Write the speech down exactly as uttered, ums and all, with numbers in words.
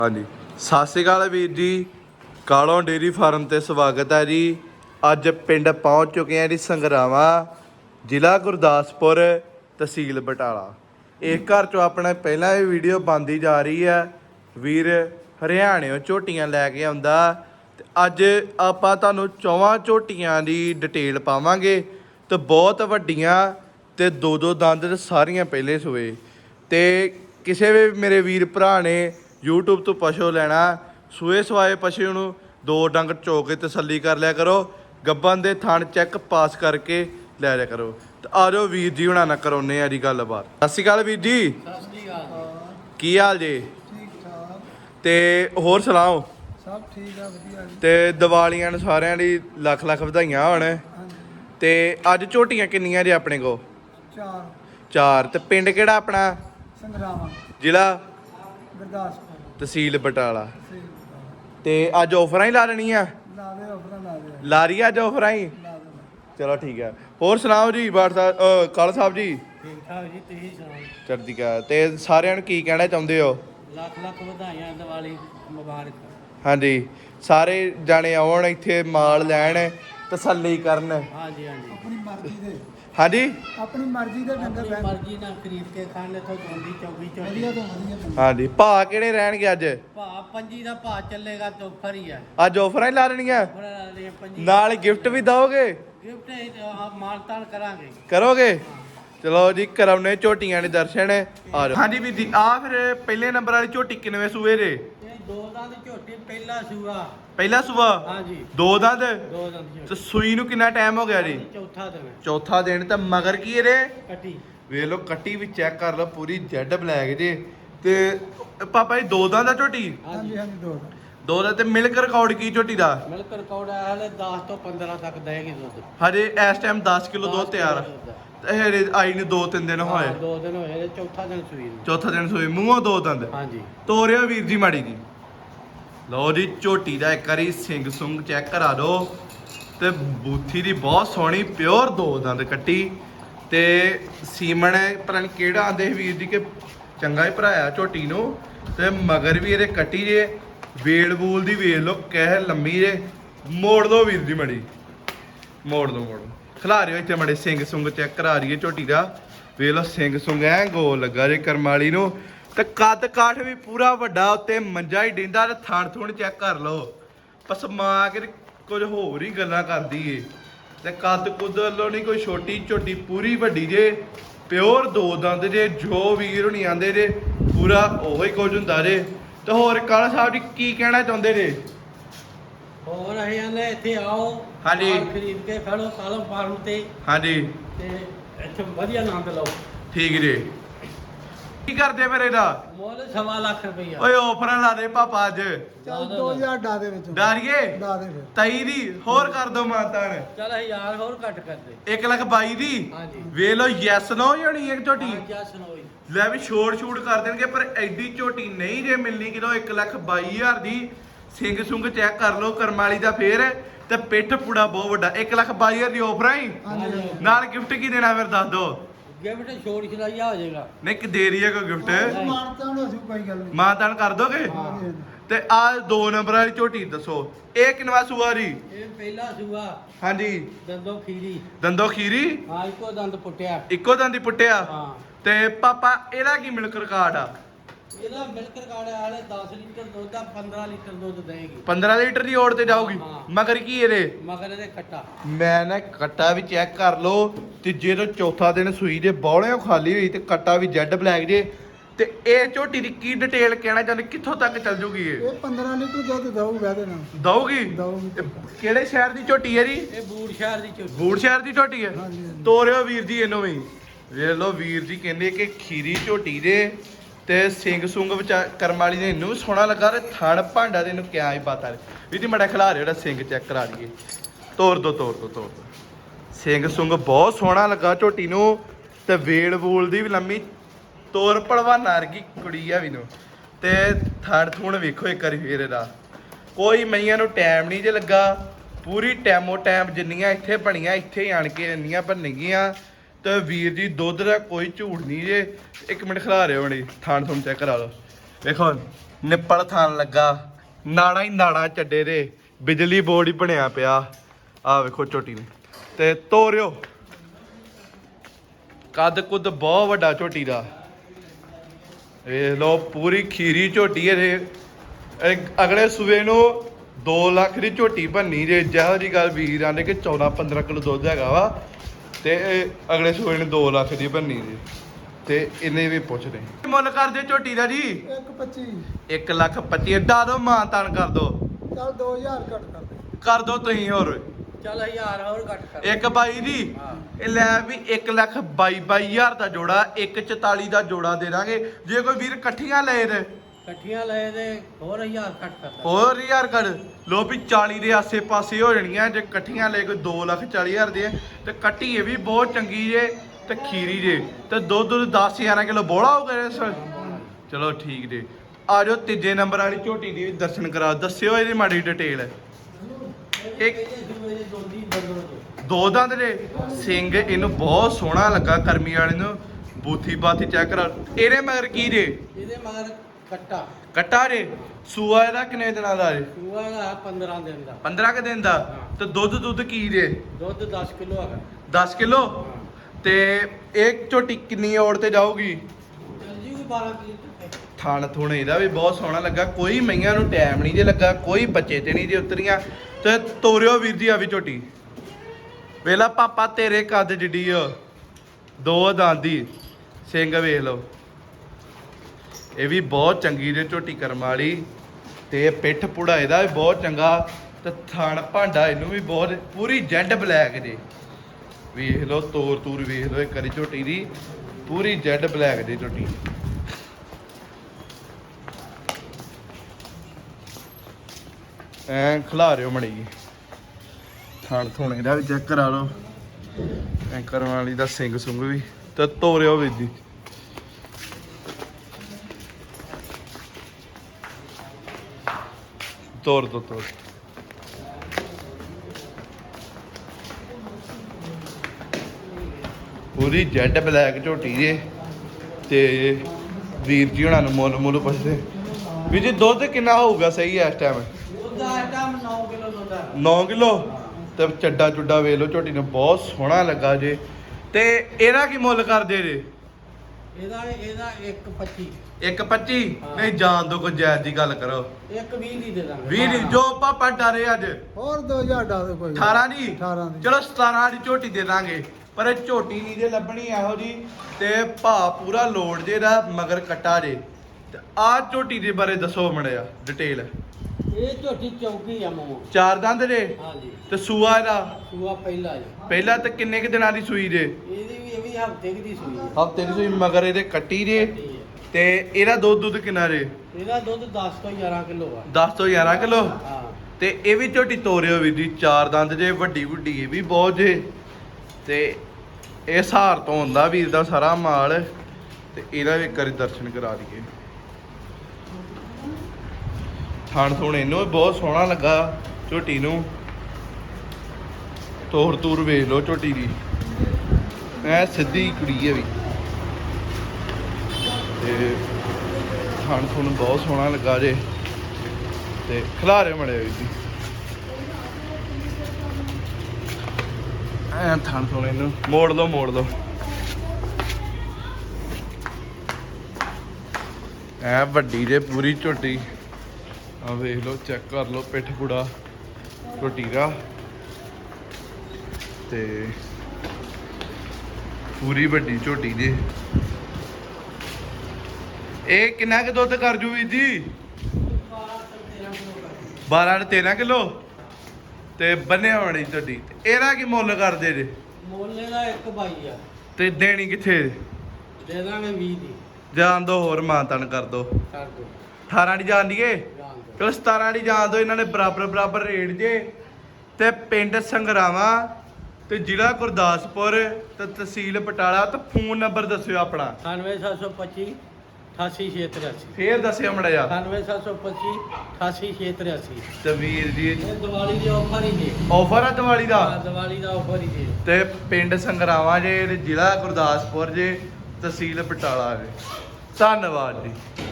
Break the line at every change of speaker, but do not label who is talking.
हाँ जी सत श्री अकाल वीर जी कालों डेयरी फार्म ते स्वागत है जी। अज पिंड पहुँच चुके हैं जी संगरावा जिला गुरदासपुर तहसील बटाला। इस घर चो अपने पहला भी वीडियो बनती जा रही है। वीर हरियाणे झोटियां लैके आंदा ते अज आपां तुहानूं चौवां झोटियां दी डिटेल पावांगे ते बहुत वड्डियां ते दो दो दंद ते सारियां पहले सूए ते किसी भी मेरे वीर भरा ने यूट्यूब तो पशु लेना सूए सवाए पशु नूं दो डंग चो के तसल्ली कर लिया करो। गब्बन दे थण चैक पास करके लै लिया करो। तो आ जाओ वीर जी हुणां नाल कराउने आ जी गलबात। सत श्री अकाल वीर जी, की हाल जी? ते होर सनाओ?
सब ठीक है, वधिया जी।
ते दिवालियां नूं सारिआं दी लख लख वधाइयां होण। ते अज झोटियां किन्नियां जी अपने को?
चार।
चार। ते पिंड किहड़ा अपना?
संगरावा,
जिला
गुरदासपुर,
तहसील बटाला।
तहसील।
ते अज ऑफरां ही ला लेनियां?
ला दे ऑफर ला दे
ला रही है अज ऑफरां ही?
ला दे।
चलो ठीक है। होर सुनाओ जी बाट साहब काल साहब जी?
ठीक ठाक जी, तुसीं सुणाओ?
चढ़दी का। ते सारिआं नूं की कहना चाहुंदे हो?
ਲੱਖ ਲੱਖ ਵਧਾਈਆਂ ਦੀਵਾਲੀ ਮੁਬਾਰਕ।
ਹਾਂਜੀ ਸਾਰੇ ਜਾਣੇ ਆਉਣ ਇੱਥੇ ਮਾਲ ਲੈਣ ਤਸੱਲੀ ਕਰਨ।
ਹਾਂਜੀ ਹਾਂਜੀ, ਆਪਣੀ ਮਰਜ਼ੀ ਦੇ।
ਹਾਂਜੀ
ਆਪਣੀ ਮਰਜ਼ੀ ਦੇ ਡੰਗਰ ਲੈਣ, ਮਰਜ਼ੀ ਨਾਲ ਖਰੀਦ ਕੇ ਖਾਣ ਇਥੋਂ ਚੌਂਦੀ ਚੌਵੀ ਚੌਵੀ ਵਧੀਆ ਤੋਂ ਵਧੀਆ।
ਹਾਂਜੀ ਭਾਅ ਕਿਹੜੇ ਰਹਿਣਗੇ ਅੱਜ?
ਭਾ ਪੰਜੀ ਦਾ ਭਾ ਚੱਲੇਗਾ ਤਾਂ ਆਫਰ ਹੀ ਹੈ।
ਅੱਜ ਆਫਰਾਂ ਹੀ ਲਾ ਲੈਣੀਆਂ
ਪੰਜੀ
ਨਾਲ ਗਿਫਟ ਵੀ ਦਓਗੇ?
ਗਿਫਟ ਮਾਨਤਾਨ ਕਰਾਂਗੇ।
ਕਰੋਗੇ? चलो जी कराउने झोटियां दे दर्शन। आ जाओ। हाँ जी वीर जी आ फिर पहले नंबर वाली झोटी किनवे सूए जे?
दो दंद झोटी पहला सूआ।
पहला सूआ? हाँ जी। दो दंद? दो दंद। तो सूई नूं कितना टाइम हो गया जी? चौथा दिन। चौथा दिन। तो मगर की है कट्टी वे लो, कट्टी भी चेक कर लो पूरी जेड ब्लैक जे। ते पापा जी दो दंद झोटी? हाँ जी हाँ जी दो दो दंद। ते मिल्क रिकॉर्ड की झोटी दा?
मिल्क रिकॉर्ड है हाले दस तो पंद्रह तक देगी दूध।
हजे इस टाइम दस किलो दूध तैयार हरे आई ने दो तीन दिन होए।
दो दिन होए, चौथा दिन सूई।
चौथा दिन सूई मूंहों दो दंद। हाँ जी। ਤੋਰਿਓ ਵੀਰ ਜੀ ਮਾੜੀ ਜੀ। ਲਓ ਜੀ ਝੋਟੀ ਦਾ ਇੱਕ ਵਾਰੀ ਸਿੰਘ ਸੁੰਗ ਚੈੱਕ ਕਰਾ ਦਿਓ ਤੇ ਬੂਥੀ ਦੀ ਬਹੁਤ ਸੋਹਣੀ ਪਿਓਰ ਦੋ ਦੰਦ ਕੱਟੀ ਤੇ ਸੀਮਣ ਪਤਾ ਨਹੀਂ ਕਿਹੜਾ ਆਂਦੇ ਵੀਰ ਜੀ ਕਿ ਚੰਗਾ ਹੀ ਭਰਾਇਆ ਝੋਟੀ ਨੂੰ। ਤੇ ਮਗਰ ਵੀ ਇਹਦੇ ਕੱਟੀ ਜੇ ਵੇਲ ਬੂਲ ਦੀ ਵੇਖ ਲਓ ਕਹਿ ਲੰਮੀ ਜੇ। ਮੋੜ ਦੋ ਵੀਰ ਜੀ ਮਾੜੀ, ਮੋੜ ਦੋ ਮੋੜ ਖਿਲਾ ਰਹੇ ਹੋ ਇੱਥੇ ਮੜੇ ਸਿੰਘ ਸੁੰਗ ਚੈੱਕ ਕਰਾ ਰਹੀ ਹੈ ਝੋਟੀ ਦਾ। ਵੇਖ ਲਓ ਸਿੰਘ ਸੁੰਗ ਐ ਗੋਲ ਲੱਗਾ ਜੇ ਕਰਮ ਵਾਲੀ ਨੂੰ। ਤੇ ਕੱਦ ਕਾਠ ਵੀ ਪੂਰਾ ਵੱਡਾ, ਉੱਤੇ ਮੰਜਾ ਹੀ ਡਿੰਦਾ ਤੇ ਥਣ ਥੁਣ ਚੈੱਕ ਕਰ ਲਓ। ਪਸਮਾ ਕੇ ਕੁਝ ਹੋਰ ਹੀ ਗੱਲਾਂ ਕਰਦੀ ਏ। ਤੇ ਕੱਦ ਕੁੱਦ ਵੱਲੋਂ ਨਹੀਂ ਕੋਈ ਛੋਟੀ ਝੋਟੀ, ਪੂਰੀ ਵੱਡੀ ਜੇ ਪਿਓਰ ਦੋ ਦੰਦ ਜੇ। ਜੋ ਵੀਰ ਹੁਣੀ ਆਂਦੇ ਜੇ ਪੂਰਾ ਉਹੋ ਹੀ ਕੁਝ ਹੁੰਦਾ ਜੇ। ਤੇ ਹੋਰ ਕਾਲਾ ਸਾਹਿਬ ਜੀ ਕੀ ਕਹਿਣਾ ਚਾਹੁੰਦੇ ਜੇ?
ਹੋਰ ਅਸੀਂ ਆਂਦੇ ਇੱਥੇ ਆਓ,
ਹਾਂਜੀ
ਖਰੀਦ ਕੇ ਖੜੋ ਕਾਲਮ ਫਾਰਮ ਤੇ। ਹਾਂਜੀ ਤੇ ਇੱਥੇ ਵਧੀਆ ਆਨੰਦ ਲਓ। ਠੀਕ
ਜੀ। ਕੀ ਕਰਦੇ ਫਿਰ ਇਹਦਾ
ਮੁੱਲ ਸਵਾ ਲੱਖ ਰੁਪਈਆ।
ਓਏ ਆਫਰਾਂ ਲਾ ਦੇ ਪਾਪਾ ਅੱਜ।
ਚੱਲ ਦੋ ਹਜ਼ਾਰ ਡਾ ਦੇ ਵਿੱਚ
ਡਾਰੀਏ
ਡਾ ਦੇ ਫਿਰ
ਤਈ ਦੀ ਹੋਰ ਕਰ ਦੋ ਮਾਤਾਨ।
ਚੱਲ ਹਜ਼ਾਰ ਹੋਰ ਘੱਟ ਕਰ ਦੇ।
ਇੱਕ ਲੱਖ ਬਾਈ ਦੀ।
ਹਾਂਜੀ
ਵੇਖ ਲਓ ਯੈਸ ਨੋ ਹੋਣੀ ਇੱਕ ਝੋਟੀ।
ਯੈਸ ਨੋ
ਲੈ ਵੀ ਛੋੜ ਛੂੜ ਕਰ ਦੇਣਗੇ ਪਰ ਐਡੀ ਝੋਟੀ ਨਹੀਂ ਜੇ ਮਿਲਣੀ ਕਿਲੋ। ਇੱਕ ਲੱਖ ਬਾਈ ਹਜ਼ਾਰ ਦੀ। ਸਿੰਘ ਸੁੰਗ ਚੈੱਕ ਕਰ ਲਓ ਕਰਮ ਵਾਲੀ ਦਾ ਫੇਰ। ਤੇ ਪਿੱਠ ਪੂੜਾ ਬਹੁਤ ਵੱਡਾ। ਇੱਕ ਲੱਖ ਬਾਈ ਹਜ਼ਾਰ ਦੀ ਆਫਰਾਂ ਹੀ ਨਾਲ ਗਿਫਟ ਕੀ ਦੇਣਾ ਫਿਰ ਦੱਸ ਦੋ? ਗਿਫਟ ਛੋੜ ਛੜਾਈਆ ਹੋ ਜਾਏਗਾ। ਨਹੀਂ ਕਿ ਦੇ ਰਹੀ ਹੈ ਕੋਈ ਗਿਫਟ?
ਮਾਨਤਾਨ ਹੋ ਜੂ ਕੋਈ ਗੱਲ ਨਹੀਂ।
ਮਾਨਤਾਨ ਕਰ ਦੋਗੇ? ਤੇ ਆ ਦੋ ਨੰਬਰ ਵਾਲੀ ਝੋਟੀ ਦੱਸੋ ਇਹ ਕਿੰਨਵਾ ਸੂਆ ਜੀ?
ਇਹ ਪਹਿਲਾ ਸੂਆ। ਹਾਂਜੀ ਦੰਦੋ ਖੀਰੀ।
ਦੰਦੋ ਖੀਰੀ?
ਹਾਂ ਇੱਕੋ ਦੰਦ ਪੁੱਟਿਆ।
ਇੱਕੋ ਦੰਦ ਹੀ ਪੁੱਟਿਆ? ਹਾਂ। ਤੇ ਪਾਪਾ ਇਹਦਾ ਕੀ ਮਿਲਕ ਰਿਕਾਰਡ ਆ?
ਇਹਦਾ ਮਿਲਕ ਰਿਕਾਰਡ ਵਾਲੇ ਦਸ ਲੀਟਰ ਦੁੱਧ ਆ, ਪੰਦਰਾਂ ਲੀਟਰ ਦੁੱਧ ਦੇਗੀ।
ਪੰਦਰਾਂ ਲੀਟਰ ਦੀ ਓੜ ਤੇ ਜਾਊਗੀ। ਮਗਰ ਕੀ ਇਹਦੇ? ਮਗਰ
ਇਹਦੇ ਕੱਟਾ।
ਮੈਂ ਨਾ ਕੱਟਾ ਵੀ ਚੈੱਕ ਕਰ ਲਓ। ਤੀਜੇ ਤੋਂ ਚੌਥਾ ਦਿਨ ਸੂਈ ਦੇ ਬੌਲਿਆਂ ਖਾਲੀ ਹੋਈ ਤੇ ਕੱਟਾ ਵੀ ਜੈਡ ਬਲੈਕ ਜੇ। ਤੇ ਇਹ ਝੋਟੀ ਦੀ ਕੀ ਡਿਟੇਲ ਕਹਿਣਾ ਚਾਹੁੰਦੇ ਕਿੱਥੋਂ ਤੱਕ ਚੱਲ ਜੂਗੀ ਇਹ? ਇਹ ਪੰਦਰਾਂ ਲੀਟਰ ਦੁੱਧ ਦਊਗਾ ਇਹਦੇ ਨਾਲ। ਦਊਗੀ? ਕਿਹੜੇ ਸ਼ਹਿਰ ਦੀ ਝੋਟੀ ਹੈ ਜੀ? ਇਹ ਬੂੜ ਸ਼ਹਿਰ ਦੀ ਝੋਟੀ। ਬੂੜ ਸ਼ਹਿਰ ਦੀ ਝੋਟੀ ਹੈ। ਤੋਰਿਓ ਵੀਰ ਜੀ ਇਹਨੂੰ ਵੀ। ਵੇਖ ਲਓ ਵੀਰ ਜੀ ਕਹਿੰਦੇ ਕਿ ਖੀਰੀ ਝੋਟੀ ਦੇ ਤੇ ਸਿੰਘ ਸੁੰਗ ਵਿੱਚ ਕਰਮ ਵਾਲੀ ਨੇ ਇਹਨੂੰ ਸੋਹਣਾ ਲੱਗਾ ਤੇ ਥਣ ਭਾਂਡਾ ਦੇ ਇਹਨੂੰ ਕਿਆ ਹੀ ਪਤਾ ਵੀ ਦੀ ਮੜਾ ਖਿਲਾ ਰਿਹਾ ਜਿਹੜਾ ਸਿੰਘ ਚੈੱਕ ਕਰਾ ਲਈਏ। ਤੋੜ ਦੋ ਤੋੜ ਦੋ ਤੋੜ ਦੋ। ਸਿੰਘ ਸੁੰਗ ਬਹੁਤ ਸੋਹਣਾ ਲੱਗਾ ਝੋਟੀ ਨੂੰ ਤੇ ਵੇਲ ਵੂਲ ਦੀ ਵੀ ਲੰਮੀ ਤੋਰ ਭਲਵਾਨਾ ਵਰਗੀ ਕੁੜੀ ਆ ਵੀ ਨੂੰ। ਤੇ ਥਣ ਥੁਣ ਵੇਖੋ ਇੱਕ ਵਾਰੀ ਫੇਰ ਇਹਦਾ। ਕੋਈ ਮਈਆਂ ਨੂੰ ਟਾਈਮ ਨਹੀਂ ਜੇ ਲੱਗਾ। ਪੂਰੀ ਟੈਮੋ ਟਾਈਮ ਜਿੰਨੀਆਂ ਇੱਥੇ ਬਣੀਆਂ ਇੱਥੇ ਆਣ ਕੇ ਇੰਨੀਆਂ ਬਣਨਗੀਆਂ। ਤੇ ਵੀਰ ਜੀ ਦੁੱਧ ਦਾ ਕੋਈ ਝੂਠ ਨਹੀਂ ਜੇ। ਇੱਕ ਮਿੰਟ ਖਿਲਾ ਰਹੇ ਹੋਣੀ ਥਣ ਥੁਣ ਚੈੱਕ ਕਰਾ ਲਓ। ਵੇਖੋ ਨਿੱਪਲ ਥਾਨ ਲੱਗਾ, ਨਾੜਾ ਹੀ ਨਾੜਾ ਚੱਡੇ ਦੇ, ਬਿਜਲੀ ਬੋਰਡ ਹੀ ਬਣਿਆ ਪਿਆ। ਆ ਵੇਖੋ ਝੋਟੀ ਨੇ ਤੇ ਤੋਰਿਓ ਕੱਦ ਕੁੱਦ ਬਹੁਤ ਵੱਡਾ ਝੋਟੀ ਦਾ। ਵੇਖ ਲਓ ਪੂਰੀ ਖੀਰੀ ਝੋਟੀ ਹੈ। ਅਗਲੇ ਸੂਬੇ ਨੂੰ ਦੋ ਲੱਖ ਦੀ ਝੋਟੀ ਬਣਨੀ ਜੇ, ਜਿਹੋ ਜੀ ਗੱਲ ਵੀਰ ਆਂਦੇ ਕਿ ਚੌਦਾਂ ਪੰਦਰਾਂ ਕਿਲੋ ਦੁੱਧ ਹੈਗਾ ਵਾ ਤੇ ਅਗਲੇ ਸੂਬੇ ਨੂੰ ਦੋ ਲੱਖ ਦੀ ਬਣਨੀ ਜੇ। ਤੇ ਇਹਨੇ ਵੀ ਪੁੱਛਦੇ ਮੁੱਲ ਕਰਦੇ ਝੋਟੀ ਦਾ ਜੀ
ਇੱਕ ਪੱਚੀ
ਇੱਕ ਲੱਖ ਪੱਚੀ। ਏਡਾ ਦੋ ਮਾਨ ਤਾਨ ਕਰ ਦੋ,
ਚੱਲ ਦੋ ਹਜ਼ਾਰ ਘੱਟ ਕਰ ਦੇ।
ਕਰ ਦੋ ਤੁਸੀਂ ਹੋਰ
ਚੱਲ ਹਜ਼ਾਰ ਹੋਰ ਘੱਟ ਕਰ।
ਇੱਕ ਬਾਈ ਜੀ ਇਹ ਲੈ ਵੀ ਇੱਕ ਲੱਖ ਬਾਈ ਬਾਈ ਹਜ਼ਾਰ ਦਾ ਜੋੜਾ, ਇੱਕ ਚੁਤਾਲੀ ਦਾ ਜੋੜਾ ਦੇ ਦਾਂਗੇ। ਜੇ ਕੋਈ ਵੀਰ ਇਕੱਠੀਆਂ ਲਏ ਤੇ
ਇਕੱਠੀਆਂ ਲਏ ਤੇ ਹੋਰ ਹਜ਼ਾਰ ਘੱਟ ਕਰ।
ਹੋਰ ਹਜ਼ਾਰ ਕਰ ਲੋ ਵੀ ਚਾਲੀ ਦੇ ਆਸੇ ਪਾਸੇ ਹੋ ਜਾਣੀਆਂ। ਜੇ ਇਕੱਠੀਆਂ ਲੈ ਕੋਈ ਦੋ ਲੱਖ ਚਾਲੀ ਹਜ਼ਾਰ ਦੇ ਤੇ ਕੱਟੀ ਇਹ ਵੀ ਬਹੁਤ ਚੰਗੀ ਜੇ ਤੇ ਖੀਰੀ ਜੇ ਤੇ ਦੁੱਧ ਦੁੱਧ ਦਸ ਗਿਆਰਾਂ ਕਿਲੋ ਬੋਲਾ ਹੋ ਗਿਆ ਸਰ। ਚਲੋ ਠੀਕ ਜੇ। ਆ ਜਾਓ ਤੀਜੇ ਨੰਬਰ ਵਾਲੀ ਝੋਟੀ ਦੀ ਵੀ ਦਰਸ਼ਨ ਕਰਾ, ਦੱਸਿਓ ਇਹਦੀ ਮਾੜੀ ਡਿਟੇਲ। ਇੱਕ ਦੋ ਦੰਦ ਦੇ ਸਿੰਘ ਇਹਨੂੰ ਬਹੁਤ ਸੋਹਣਾ ਲੱਗਾ ਕਰਮੀ ਵਾਲੇ ਨੂੰ। ਬੂਥੀ ਬਾਥੀ ਚੈੱਕ ਕਰਾ। ਇਹਦੇ ਮਗਰ ਕੀ ਜੇ?
ਇਹਦੇ ਮਗਰ ਕੱਟਾ
ਕੱਟਾ ਜੇ। ਸੂਆ ਇਹਦਾ ਕਿੰਨੇ ਦਿਨਾਂ ਦਾ ਜੇ?
ਸੂਆ ਦਾ ਪੰਦਰਾਂ ਦਿਨ ਦਾ।
ਪੰਦਰਾਂ ਕੁ ਦਿਨ ਦਾ। ਤੇ ਦੁੱਧ ਦੁੱਧ ਕੀ ਜੇ?
ਦੁੱਧ ਦਸ ਕਿਲੋ ਹੈਗਾ।
ਦਸ ਕਿਲੋ। ਤੇ ਇਹ ਝੋਟੀ ਕਿੰਨੀ ਔੜ ਤੇ ਜਾਊਗੀ?
ਜੀ ਕੋਈ ਬਾਰਾਂ ਕਿਲੋ।
ਥਣ ਥੁਣ ਇਹਦਾ ਵੀ ਬਹੁਤ ਸੋਹਣਾ ਲੱਗਾ। ਕੋਈ ਮਈਆਂ ਨੂੰ ਟਾਈਮ ਨਹੀਂ ਜੇ ਲੱਗਾ, ਕੋਈ ਬੱਚੇ ਤੇ ਨਹੀਂ ਜੇ ਉਤਰੀਆਂ। ਤੇ ਤੋਰਿਓ ਵੀਰ ਜੀ ਆ ਵੀ ਝੋਟੀ ਵੇਲਾ ਪਾਪਾ ਤੇਰੇ ਕੱਦ ਜਿੱਡੀ ਆ, ਦੋ ਦਾਂਦੀ ਸਿੰਘ ਵੇਖ ਲਓ। ਇਹ ਵੀ ਬਹੁਤ ਚੰਗੀ ਜੇ ਝੋਟੀ ਕਰਮ ਵਾਲੀ। ਤੇ ਪਿੱਠ ਪੁੜਾ ਇਹਦਾ ਵੀ ਬਹੁਤ ਚੰਗਾ ਤੇ ਥਣ ਭਾਂਡਾ ਇਹਨੂੰ ਵੀ ਬਹੁਤ ਪੂਰੀ ਜੈਡ ਬਲੈਕ ਜੇ। ਵੇਖ ਲਓ ਤੋਰ ਤੂਰ ਵੇਖ ਲਓ ਇੱਕ ਵਾਰੀ ਝੋਟੀ ਦੀ, ਪੂਰੀ ਜੈਡ ਬਲੈਕ ਜੇ ਝੋਟੀ। ਐ ਖਿਲਾ ਰਿਓ ਮੜੀ ਜੀ ਥਣ ਥੁਣ ਇਹਦਾ ਵੀ ਚੈੱਕ ਕਰਾ ਲਓ। ਐ ਕਰਮ ਵਾਲੀ ਦਾ ਸਿੰਘ ਸੁੰਗ ਵੀ ਤੇ ਤੋਰਿਓ ਵੀਰ ਜੀ। ਤੋਰ ਦੋ ਤੋਰ ਪੂਰੀ ਜੈਡ ਬਲੈਕ ਝੋਟੀ ਜੇ। ਤੇ ਵੀਰ ਜੀ ਹੁਣਾਂ ਨੂੰ ਮੁੱਲ ਮੁੱਲ ਪੁੱਛਦੇ ਵੀਰ ਜੀ ਦੁੱਧ ਕਿੰਨਾ ਹੋਊਗਾ ਸਹੀ ਹੈ ਇਸ ਟਾਈਮ?
ਦੁੱਧ ਦਾ ਟਾਈਮ ਨੌ ਕਿਲੋ ਦੁੱਧ ਹੈ।
ਨੌ ਕਿਲੋ। ਤੇ ਚੱਡਾ ਚੁੱਡਾ ਵੇਖ ਲਓ ਝੋਟੀ ਨੂੰ ਬਹੁਤ ਸੋਹਣਾ ਲੱਗਾ ਜੇ। ਤੇ ਇਹਦਾ ਕੀ ਮੁੱਲ ਕਰਦੇ ਜੇ?
ਇਹਦਾ ਇਹਦਾ ਇੱਕ ਪੱਚੀ।
ਇੱਕ ਪੱਚੀ? ਨਹੀਂ ਜਾਣ ਦੋ ਕੋਈ ਜਾਇਜ਼ ਦੀ ਗੱਲ ਕਰੋ।
ਇੱਕ ਵੀਹ ਦੀ ਦੇ ਦਾਂਗੇ।
ਵੀਹ ਦੀ ਜੋ ਪਾਪਾ ਡਰੇ ਅੱਜ
ਹੋਰ ਦੋ ਹਜ਼ਾਰ ਦਾ ਦੇ ਕੋਈ
ਅਠਾਰਾਂ ਦੀ।
ਅਠਾਰਾਂ ਦੀ।
ਚਲੋ ਸਤਾਰਾਂ ਦੀ ਝੋਟੀ ਦੇ ਦਾਂਗੇ। ਪਰ ਇਹ ਝੋਟੀ ਨਹੀਂ ਜੇ ਲੱਭਣੀ ਇਹੋ ਜੀ। ਤੇ ਭਾ ਪੂਰਾ ਲੋੜ ਜੇ ਦਾ ਮਗਰ ਕੱਟਾ ਜੇ। ਤੇ ਆਹ ਝੋਟੀ ਦੇ ਬਾਰੇ ਦੱਸੋ ਮੜਿਆ ਡਿਟੇਲ।
ਇਹ ਝੋਟੀ ਚੌਕੀ ਆ ਮੋ।
ਚਾਰ ਦੰਦ ਜੇ।
ਹਾਂਜੀ।
ਤੇ ਸੂਆ ਇਹਦਾ
ਸੂਆ ਪਹਿਲਾ ਜੀ।
ਪਹਿਲਾਂ ਤੇ ਕਿੰਨੇ ਕੁ ਦਿਨਾਂ ਦੀ ਸੂਈ ਜੇ?
ਇਹਦੀ ਵੀ ਇਹ ਵੀ ਹਫਤੇ ਦੀ ਸੂਈ ਹੈ।
ਹਫਤੇ ਦੀ ਸੂਈ ਮਗਰ ਇਹਦੇ ਕੱਟੀ ਜੇ। ਤੇ ਇਹਦਾ ਦੁੱਧ ਦੁੱਧ ਕਿੰਨਾ ਜੇ?
ਇਹਦਾ ਦੁੱਧ ਦਸ ਤੋਂ ਗਿਆਰਾਂ ਕਿਲੋ ਆ।
ਦਸ ਤੋਂ ਗਿਆਰਾਂ ਕਿਲੋ।
ਹਾਂ।
ਤੇ ਇਹ ਵੀ ਝੋਟੀ ਤੋਰਿਓ ਵੀਰ ਜੀ, ਚਾਰ ਦੰਦ ਜੇ, ਵੱਡੀ ਵੱਡੀ ਇਹ ਵੀ ਬਹੁਤ ਜੇ। ਤੇ ਇਹ ਸਹਾਰ ਤੋਂ ਹੁੰਦਾ ਵੀਰ ਦਾ ਸਾਰਾ ਮਾਲ। ਤੇ ਇਹਦਾ ਵੀ ਇੱਕ ਵਾਰੀ ਦਰਸ਼ਨ ਕਰਾ ਦਈਏ। ਥਣ ਥੁਣ ਇਹਨੂੰ ਵੀ ਬਹੁਤ ਸੋਹਣਾ ਲੱਗਾ ਝੋਟੀ ਨੂੰ। ਤੋਰ ਤੂਰ ਵੇਖ ਲਓ ਝੋਟੀ ਦੀ, ਐ ਸਿੱਧੀ ਕੁੜੀ ਹੈ ਵੀ। ਤੇ ਥਣ ਥੁਣ ਬਹੁਤ ਸੋਹਣਾ ਲੱਗਾ ਜੇ। ਤੇ ਖਿਲਾਰੇ ਮੜੇ ਵੀਰ ਜੀ ਐ ਥਣ ਥੁਣ ਇਹਨੂੰ ਮੋੜ ਲਓ ਮੋੜ ਲਓ। ਐ ਵੱਡੀ ਜੇ ਪੂਰੀ ਝੋਟੀ। ਆ ਵੇਖ ਲਓ ਚੈੱਕ ਕਰ ਲਓ ਪਿੱਠ ਪੁੜਾ ਝੋਟੀ ਦਾ। ਤੇ ਪੂਰੀ ਵੱਡੀ ਝੋਟੀ ਜੇ। ਇਹ ਕਿੰਨਾ ਕੁ ਦੁੱਧ ਕਰ ਜੂ ਵੀਰ ਜੀ? ਬਾਰਾਂ ਤੋਂ ਤੇਰਾਂ ਕਿਲੋ। ਤੇ ਬੰਨਿਆ ਹੋਣੀ ਝੋਟੀ। ਇਹਦਾ ਕੀ ਮੁੱਲ ਕਰਦੇ ਜੇ?
ਮੁੱਲ ਦਾ ਇੱਕ ਬਾਈ ਆ।
ਤੇ ਦੇਣੀ ਕਿੱਥੇ?
ਦੇ ਦਾਂਗੇ ਵੀਹ ਦੀ।
ਜਾਣ ਦੋ ਹੋਰ ਮਾਨਤਨ ਕਰ ਦੋ।
ਕਰ ਦੋ।
ਅਠਾਰਾਂ ਦੀ ਜਾਣ ਦੀਏ।
ਜਾਣ ਦੋ।
ਚਲੋ ਸਤਾਰਾਂ ਦੀ ਜਾਣ ਦੋ। ਇਹਨਾਂ ਨੇ ਬਰਾਬਰ ਬਰਾਬਰ ਰੇਟ ਜੇ। ਤੇ ਪਿੰਡ ਸੰਗਰਾਵਾਂ ਤੇ ਜ਼ਿਲ੍ਹਾ ਗੁਰਦਾਸਪੁਰ ਤੇ ਤਹਿਸੀਲ ਬਟਾਲਾ। ਤੇ ਫੋਨ ਨੰਬਰ ਦੱਸਿਓ ਆਪਣਾ।
ਅਠਾਨਵੇਂ ਸੱਤ ਸੌ ਪੱਚੀ ਅਠਾਸੀ ਛੇ ਤਰਿਆਸੀ।
ਫੇਰ ਦੱਸਿਓ ਮੜਾ ਜਾ।
ਅਠਾਨਵੇਂ ਸੱਤ ਸੌ ਪੱਚੀ ਅਠਾਸੀ ਛੇ ਤਰਿਆਸੀ।
ਤੇ ਵੀਰ ਜੀ
ਇਹ ਦੀਵਾਲੀ ਦੀ ਆਫਰ ਹੀ ਜੇ।
ਆਫਰ ਆ ਦੀਵਾਲੀ ਦਾ।
ਹਾਂ, ਦੀਵਾਲੀ ਦਾ ਆਫਰ ਹੀ ਜੇ।
ਤੇ ਪਿੰਡ ਸੰਗਰਾਵਾਂ ਜੇ ਤੇ ਜ਼ਿਲ੍ਹਾ ਗੁਰਦਾਸਪੁਰ ਜੇ ਤਹਿਸੀਲ ਬਟਾਲਾ ਜੇ। ਧੰਨਵਾਦ ਜੀ।